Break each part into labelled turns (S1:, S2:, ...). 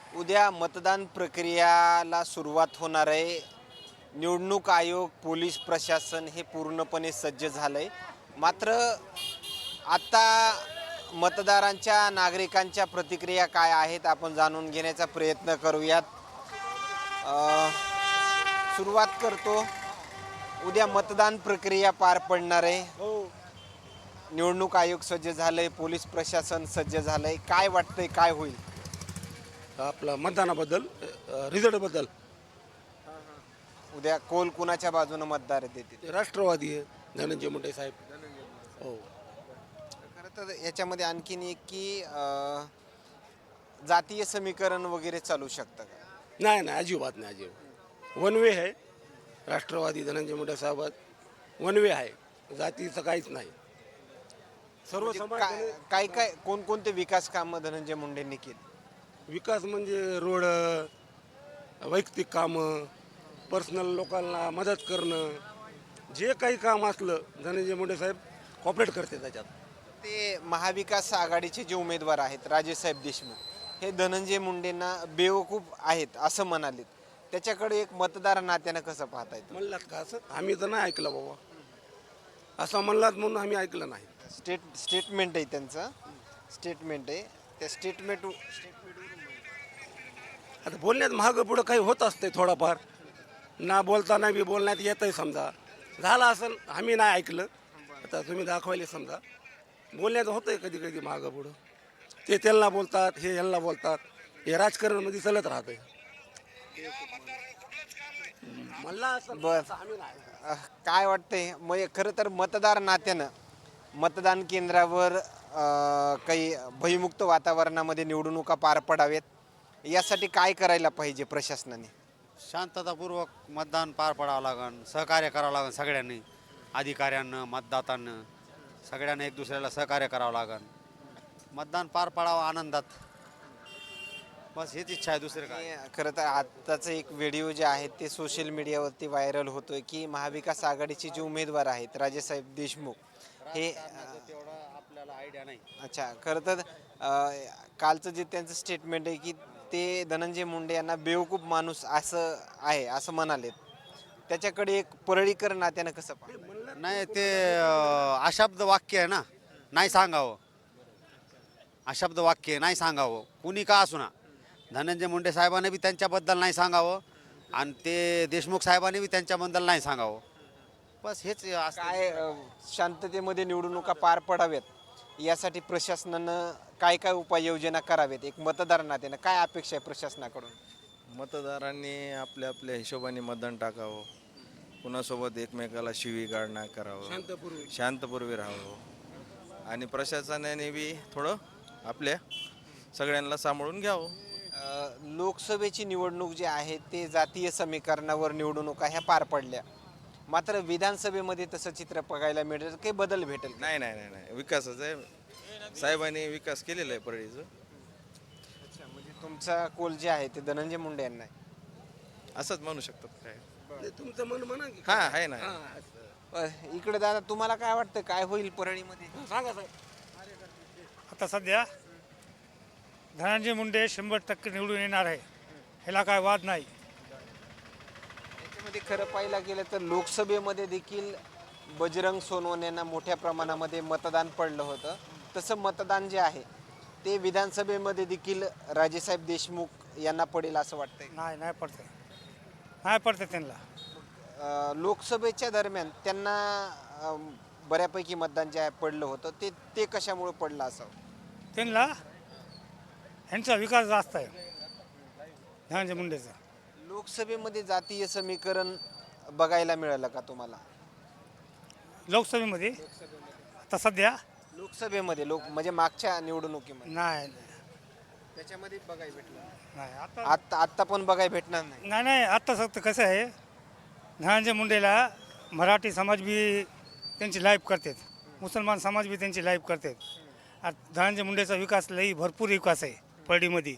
S1: उद्या मतदान प्रक्रियाला सुरुवात होणार आहे. निवडणूक आयोग, पोलीस प्रशासन हे पूर्णपणे सज्ज झालंय. मात्र आता मतदारांच्या, नागरिकांच्या प्रतिक्रिया काय आहेत आपण जाणून घेण्याचा प्रयत्न करूयात. अ, सुरुवात करतो. उद्या मतदान प्रक्रिया पार पडणार आहे. निवडणूक आयोग सज्ज झालंय, पोलीस प्रशासन सज्ज झालंय. काय वाटतंय, काय होईल?
S2: आपला मतदानाबद्दल रिझल्टबद्दल
S1: उद्या कोल कुणाच्या बाजूने मतदार देतील?
S2: राष्ट्रवादी आहे धनंजय मुंडे साहेब. हो.
S1: खरं तर याच्यामध्ये आणखीन एक की जातीय समीकरण वगैरे चालू शकतं का?
S2: नाही नाही, अजिबात नाही, अजिबात वन वे आहे. राष्ट्रवादी धनंजय मुंडे साहेब वन वे आहे, जातीचं काहीच नाही. सर्व
S1: म्हणजे
S2: समाज
S1: काय काय कोणकोणते विकास कामं धनंजय मुंडेंनी केली?
S2: विकास म्हणजे रोड, वैयक्तिक कामं, पर्सनल लोकांना मदत करणं, जे काही काम असलं धनंजय मुंडे साहेब कॉपरेट करते त्याच्यात.
S1: ते महाविकास आघाडीचे जे उमेदवार आहेत राजेसाहेब देशमुख, हे धनंजय मुंडेंना बेवकूफ आहेत असं म्हणाले. त्याच्याकडे एक मतदार नात्यानं कसं पाहता येतं?
S2: म्हणलात का असं? आम्ही तर नाही ऐकलं बाबा, असं म्हणलात म्हणून आम्ही ऐकलं नाही.
S1: स्टेटमेंट आहे त्यांचं, स्टेटमेंट आहे. त्या स्टेटमेंट
S2: आता बोलण्यात मागं पुढं काही होत असते थोडंफार, ना बोलताना बी बोलण्यात येतंय. समजा झालं असं, आम्ही नाही ऐकलं, आता तुम्ही दाखवायले समजा बोलण्यात होतंय कधी कधी मागं पुढं. ते त्यांना बोलतात, हे यांना बोलतात, हे राजकारणामध्ये चालत राहतंय. मला असं
S1: बर.
S2: आम्ही नाही.
S1: काय वाटतंय मग खरं तर मतदार नात्यानं मतदान केंद्रावर काही भयमुक्त वातावरणामध्ये निवडणुका पार पडावेत यासाठी काय करायला पाहिजे प्रशासनाने?
S3: शांततापूर्वक मतदान पार पडावं लागेल, सहकार्य करावं लागेल सगळ्यांनी, अधिकाऱ्यांना, मतदातांना, सगळ्यांना एक दुसऱ्याला सहकार्य करावं लागेल. मतदान पार पडावं आनंदात, बस हेच इच्छा आहे, दुसरं काय.
S1: आणि खरं तर आत्ताचं एक व्हिडिओ जे आहे ते सोशल मीडियावरती व्हायरल होतोय की महाविकास आघाडीचे जे उमेदवार आहेत राजेसाहेब देशमुख हे
S3: तेवढं आपल्याला आयडिया नाही.
S1: अच्छा, खरं तर कालचं जे त्यांचं स्टेटमेंट आहे की ते धनंजय मुंडे यांना बेवकूफ माणूस असं आहे असं म्हणालेत. त्याच्याकडे एक परळीकर नात्यानं कसं पाहता?
S3: नाही ते अशब्द वाक्य आहे ना, नाही सांगावं. अशब्द वाक्य आहे, नाही सांगावं, कुणी का असू ना. धनंजय मुंडे साहेबांनी बी त्यांच्याबद्दल नाही सांगावं आणि ते देशमुख साहेबांनी बी त्यांच्याबद्दल नाही सांगावं. बस हेच असतं.
S1: काय शांततेमध्ये निवडणुका पार पडाव्यात यासाठी प्रशासनानं काय काय उपाययोजना कराव्यात? एक मतदार नात्यानं काय अपेक्षा आहे प्रशासनाकडून?
S4: मतदारांनी आपल्या आपल्या हिशोबाने मतदान टाकावं, कुणासोबत एकमेकाला शिवीगाळ नाही करावं, शांतपूर्वी राहावं आणि प्रशासनाने बी थोडं आपल्या सगळ्यांना सांभाळून घ्यावं.
S1: लोकसभेची निवडणूक जी आहे ते जातीय समीकरणावर निवडणुका ह्या पार पडल्या. मात्र विधानसभेमध्ये तसं चित्र बघायला मिळेल, काही बदल भेटेल का?
S4: नाही नाही नाही नाही, विकासच आहे. साहेबांनी विकास केलेला आहे परळीचं.
S1: अच्छा, म्हणजे तुमचा कोल जे आहे ते धनंजय मुंडे यांना आहे.
S4: असंच म्हणू शकतात काय.
S2: नाही, तुमचं मन म्हणा की
S4: हा आहे ना.
S1: इकडे दादा, तुम्हाला काय वाटतं काय होईल परळीमध्ये?
S2: सांगा साहेब.
S5: आता सध्या धनंजय मुंडे 100% निवडून येणार आहे, ह्याला काय वाद नाही.
S1: याच्यामध्ये खरं पाहायला गेलं तर लोकसभेमध्ये देखील बजरंग सोनवणे यांना मोठ्या प्रमाणामध्ये मतदान पडलं होतं. तसं मतदान जे आहे ते विधानसभेमध्ये देखील राजेसाहेब देशमुख यांना पडेल असं वाटतंय.
S5: नाही पडते, नाही पडते त्यांना.
S1: लोकसभेच्या दरम्यान त्यांना बऱ्यापैकी मतदान जे आहे पडलं होतं ते ते कशामुळे पडलं असावं?
S5: त्यांना ह्यांचा विकास जास्त आहे धनंजय मुंडेचा.
S1: लोकसभेमध्ये जातीय समीकरण बघायला मिळालं का तुम्हाला?
S5: लोकसभेमध्ये आता सध्या
S1: लोकसभेमध्ये म्हणजे मागच्या निवडणुकीमध्ये
S5: नाही
S1: त्याच्यामध्ये बघायला भेटलं
S5: नाही आता
S1: आत्ता पण बघायला भेटणार नाही.
S5: नाही आत्ता फक्त कसं आहे, धनंजय मुंडेला मराठी समाज बी त्यांची लाईफ करतात, मुसलमान समाज बी त्यांची लाईफ करतात. आता धनंजय मुंडेचा विकास लई भरपूर विकास आहे परळीमध्ये.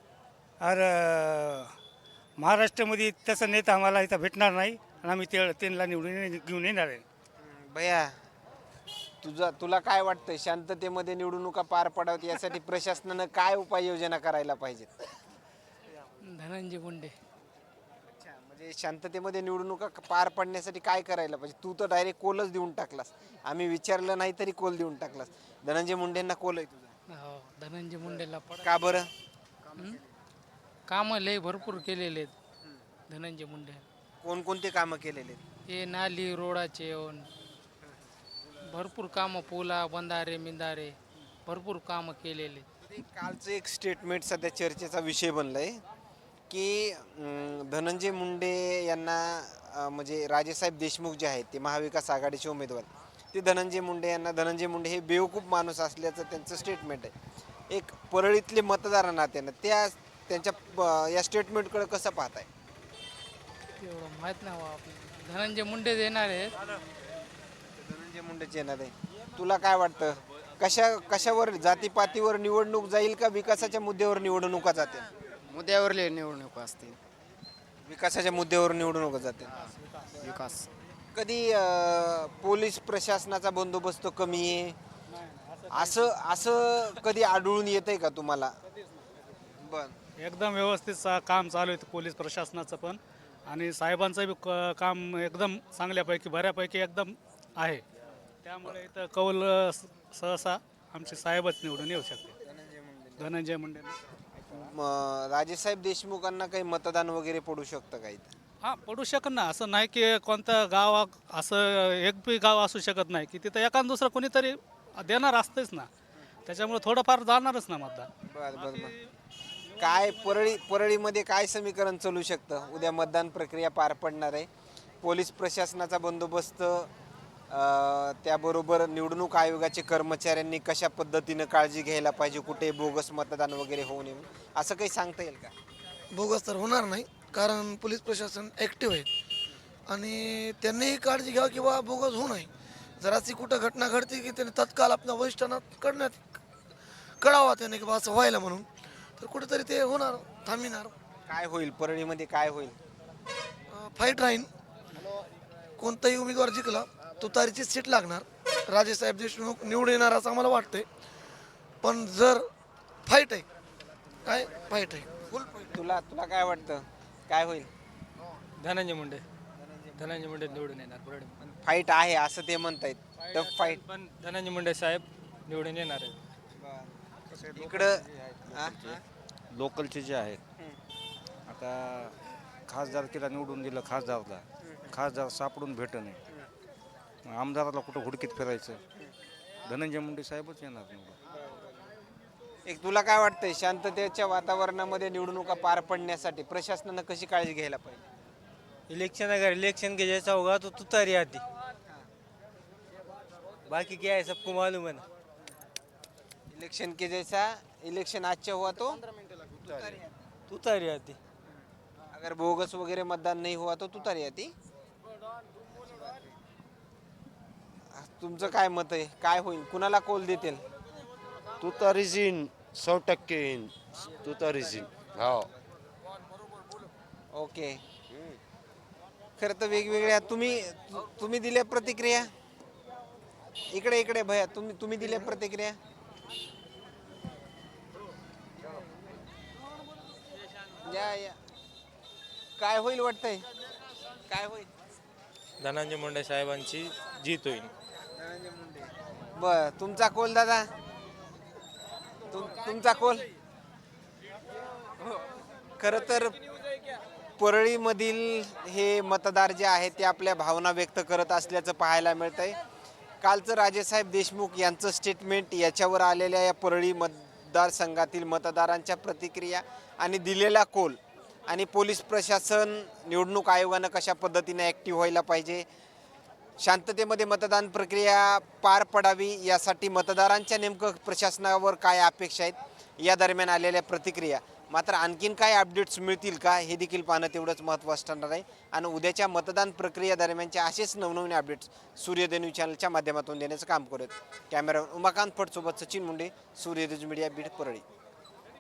S5: अरे महाराष्ट्रामध्ये तसं नेता आम्हाला इथं भेटणार नाही आणि आम्ही त्यांना निवडून घेऊन येणार आहे.
S1: भैया, तुला काय वाटतंय शांततेमध्ये निवडणुका पार पडाव्यात यासाठी प्रशासनानं काय उपाययोजना करायला पाहिजेत?
S6: धनंजय मुंडे.
S1: अच्छा, म्हणजे शांततेमध्ये निवडणुका पार पडण्यासाठी काय करायला पाहिजे? तू तर डायरेक्ट कोलच देऊन टाकलास. आम्ही विचारलं नाही तरी कोल देऊन टाकलास. धनंजय मुंडेंना कोल आहे तुझा.
S6: हो, धनंजय मुंडेला
S1: का बरं?
S6: कामं लय भरपूर केलेले आहेत धनंजय मुंडे.
S1: कोणकोणते कामं केलेले आहेत?
S6: हे नाली रोडाचे येऊन भरपूर कामं, पुला बंधारे मिंधारे भरपूर कामं केलेले.
S1: ते कालचं एक स्टेटमेंट सध्या चर्चेचा विषय बनलाय की धनंजय मुंडे यांना म्हणजे राजेसाहेब देशमुख जे आहेत ते महाविकास आघाडीचे उमेदवार, ते धनंजय मुंडे यांना धनंजय मुंडे हे बेवकूफ माणूस असल्याचं त्यांचं स्टेटमेंट आहे. एक परळीतले मतदार नात्यानं त्यांच्या या स्टेटमेंटकडे कसं पाहताय?
S6: एवढं माहीत नाही बा आपल्याला. धनंजय मुंडे देणार आहेत.
S1: धनंजय मुंडेचे येणार आहे. तुला काय वाटतं, कशावर, जातीपातीवर निवडणूक जाईल का विकासाच्या मुद्द्यावर निवडणुका जातील?
S7: मुद्द्यावरले निवडणूक असते.
S1: विकासाच्या मुद्द्यावर निवडणुका जातील.
S7: विकास
S1: कधी पोलीस प्रशासनाचा बंदोबस्त कमी आहे असं कधी आढळून येतंय का तुम्हाला? बर,
S5: एकदम व्यवस्थित काम चालू आहे पोलीस प्रशासनाचं पण, आणि साहेबांचं बी काम एकदम चांगल्यापैकी बऱ्यापैकी एकदम आहे. त्यामुळे इथं कौल सहसा आमचे साहेबच निवडून येऊ शकते. धनंजय मुंडे.
S1: राजेसाहेब देशमुखांना काही मतदान वगैरे पडू शकतं का इथं?
S5: हां, पडू शकत ना. असं नाही की कोणतं गाव असं एक बी गाव असू शकत नाही की तिथं एखादं दुसरं कोणीतरी देणार असतेच ना. त्याच्यामुळे थोडंफार जाणारच ना मतदान.
S1: बर. काय परळीमध्ये काय समीकरण चालू शकतं? उद्या मतदान प्रक्रिया पार पडणार आहे. पोलीस प्रशासनाचा बंदोबस्त, त्याबरोबर निवडणूक आयोगाचे कर्मचाऱ्यांनी कशा पद्धतीनं काळजी घ्यायला पाहिजे, कुठे बोगस मतदान वगैरे होऊ नये, असं काही सांगता येईल का?
S8: बोगस तर होणार नाही, कारण पोलीस प्रशासन ॲक्टिव्ह आहे आणि त्यांनीही काळजी घ्यावी की बा बोगस होऊ नये. जर अशी कुठं घटना घडते की त्याने तत्काळ आपल्या वरिष्ठांना कळावा त्याने की बा असं व्हायला म्हणून, तर कुठेतरी ते होणार, थांबणार.
S1: काय होईल परळीमध्ये, काय होईल?
S8: फाईट राहीन. कोणताही उमेदवार जिंकला तुतारीची सीट लागणार. राजेसाहेब देशमुख निवडून येणार असं आम्हाला वाटतंय. पण जर फाईट आहे, काय फाईट आहे, फुल फाईट.
S1: तुला काय वाटतं, काय होईल?
S6: धनंजय मुंडे निवडून येणार.
S1: फाईट आहे असं ते म्हणतायत. Tough fight.
S6: पण धनंजय मुंडे साहेब निवडून येणार आहेत.
S1: इकडं
S9: लोकलचे जे आहेत, आता खासदारकीला निवडून दिलं, खासदार सापडून भेट नाही, आमदाराला कुठं हुडकीत फिरायचं, धनंजय मुंडे साहेबच येणार निवडून.
S1: एक तुला काय वाटतंय, शांततेच्या वातावरणामध्ये निवडणुका पार पडण्यासाठी प्रशासनानं कशी काळजी घ्यायला पाहिजे?
S10: इलेक्शन के जैसा होगा तो तुतारी आती, बाकी क्या है सबको मालूम है ना.
S1: इलेक्शन अच्छा हुआ तो
S10: तुतारी आती.
S1: अगर बोगस वगैरे मतदान नहीं हुआ तो तुतारी आती. तुमचं काय मत आहे, काय होईल, कुणाला कौल देतील?
S3: तुतारीच येईन, 100% येईन तुतारीच येईन. हो.
S1: ओके. खरं तर वेगवेगळ्या तुम्ही दिल्या प्रतिक्रिया, इकडे भैया, तुम्ही दिल्या प्रतिक्रिया. या काय होईल वाटतंय, काय होईल?
S10: धनंजय मुंडे साहेबांची जीत होईल.
S1: बर, तुमचा कोल दादा, तुमचा कोल? खरं तर परळीमधील हे मतदार जे आहेत ते आपल्या भावना व्यक्त करत असल्याचं पाहायला मिळतंय. कालचं राजेसाहेब देशमुख यांचं स्टेटमेंट, याच्यावर आलेल्या या परळी मतदारसंघातील मतदारांच्या प्रतिक्रिया आणि दिलेला कोल, आणि पोलीस प्रशासन, निवडणूक आयोगानं कशा पद्धतीने ॲक्टिव्ह व्हायला पाहिजे, शांततेमध्ये मतदान प्रक्रिया पार पडावी यासाठी मतदारांच्या नेमकं प्रशासनावर काय अपेक्षा आहेत, या दरम्यान आलेल्या प्रतिक्रिया. मात्र आणखीन काय अपडेट्स मिळतील का हे देखील पाहणं तेवढंच महत्त्वाचं ठरणार आहे. आणि उद्याच्या मतदान प्रक्रिया दरम्यानचे असेच नवनवीन अपडेट्स सूर्योदय न्यूज चॅनलच्या माध्यमातून देण्याचं काम करत. कॅमेरामॅन उमाकांत फटसोबत सचिन मुंडे, सूर्योदय मीडिया, बीड, परळी.